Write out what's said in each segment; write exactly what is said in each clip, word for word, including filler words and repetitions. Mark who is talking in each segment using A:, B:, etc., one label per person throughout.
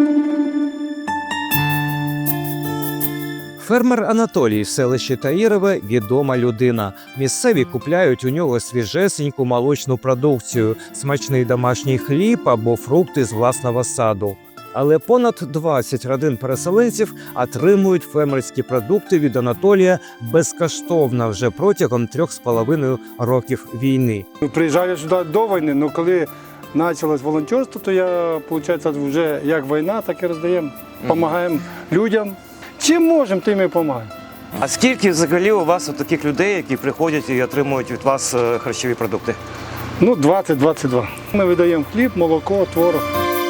A: Фермер Анатолій з селища Таїрове – відома людина. Місцеві купляють у нього свіжесеньку молочну продукцію, смачний домашній хліб або фрукти з власного саду. Але понад двадцять родин переселенців отримують фермерські продукти від Анатолія безкоштовно вже протягом трьох з половиною років війни.
B: Приїжджаю сюди до війни, але коли почалось волонтерство, то я, виходить, вже як війна, так і роздаємо. Допомагаємо людям. Чим можемо, тим і допомагаємо.
C: А скільки взагалі у вас от таких людей, які приходять і отримують від вас е, харчові продукти?
B: Ну, двадцять-двадцять два. Ми видаємо хліб, молоко, творог.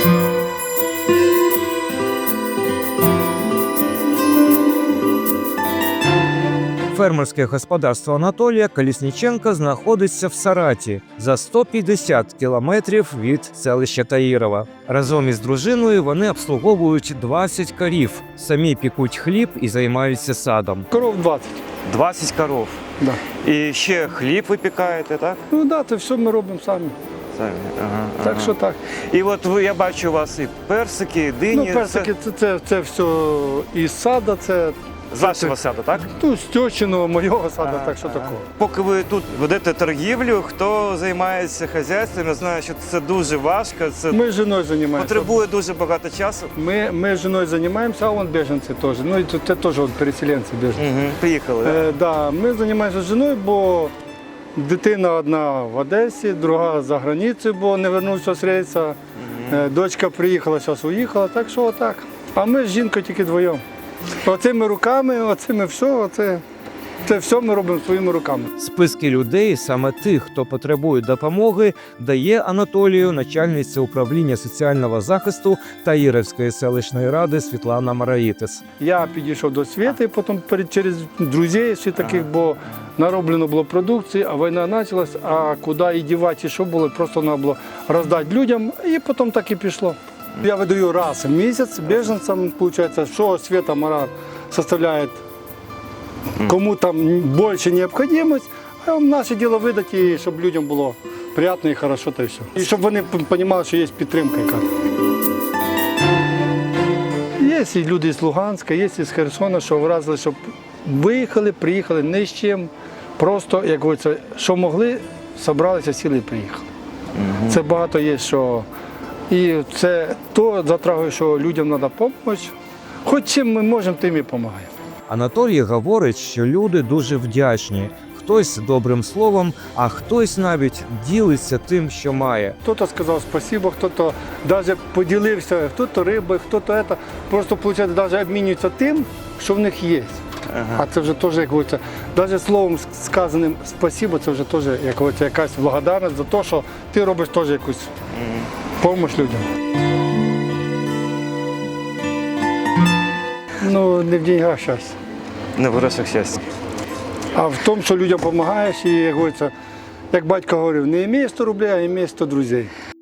A: Фермерське господарство Анатолія Колісніченка знаходиться в Сараті за сто п'ятдесят кілометрів від селища Таїрова. Разом із дружиною вони обслуговують двадцять корів, самі пікуть хліб і займаються садом.
B: Коров двадцять.
C: двадцять коров.
B: Да.
C: І ще хліб випікаєте, так?
B: Ну так, да, це все ми робимо самі.
C: Самі. Ага,
B: Так
C: ага.
B: що так.
C: І от ви, я бачу у вас і персики, і дині.
B: Ну, персики, це, це, це все із саду, це
C: З вашого саду, так?
B: ну, з тьочиного, моєго саду,
C: Ага,
B: так що
C: ага.
B: такого.
C: Поки ви тут ведете торгівлю, хто займається хазяйством, я знаю, що це дуже важко, це
B: Ми з жіною займаємося.
C: потребує дуже багато часу.
B: Ми, ми з жіною займаємося, а вон біженці теж. Ну, і це теж от переселенці біженці.
C: Угу. Приїхали, так?
B: Е, да, ми займаємося з жіною, бо дитина одна в Одесі, друга за границею, бо не вернувся з рейсу. Е, дочка приїхала, зараз уїхала, так що отак. А ми з жінкою тільки двоєм. Оцими руками, оцими все, оце, це все ми робимо своїми руками.
A: Списки людей, саме тих, хто потребує допомоги, дає Анатолію начальниця управління соціального захисту Таїровської селищної ради Світлана Мараїтис.
B: Я підійшов до Світи, потім перед- через друзів всі таких, бо нароблено було продукції, а війна почалась, а куди і дівати, і що було, просто треба було роздати людям, і потім так і пішло. Я видаю раз в місяць біженцям, виходить, що Світа Мара составляє, кому там більше необхідність, а наше діло видати, щоб людям було приємно і хорошо, та й все. І щоб вони розуміли, що є підтримка якась. Є і люди з Луганська, є і з Херсона, що вразили, щоб виїхали, приїхали ні з чим, просто, як говориться, що могли, зібралися, сіли і приїхали. Це багато є, що і це то затрагує, що людям треба допомогти. Хоч чим ми можемо, тим і допомагаємо.
A: Анатолій говорить, що люди дуже вдячні. Хтось добрим словом, а хтось навіть ділиться тим, що має.
B: Хтось сказав спасибо, хтось навіть поділився, хтось риби, хтось це. Просто, виходить, навіть обмінюються тим, що в них є.
C: Ага.
B: А це вже теж, як говориться, навіть словом сказаним спасибо, це вже теж, як говориться, якась благодарність за те, що ти робиш теж якусь допомогу людям. Ну, не в деньгах щастя,
C: Не в грошах щастя.
B: а в тому, що людям допомагаєш і, як говориться, як батько говорив, не імей сто рублей, а імей сто друзей.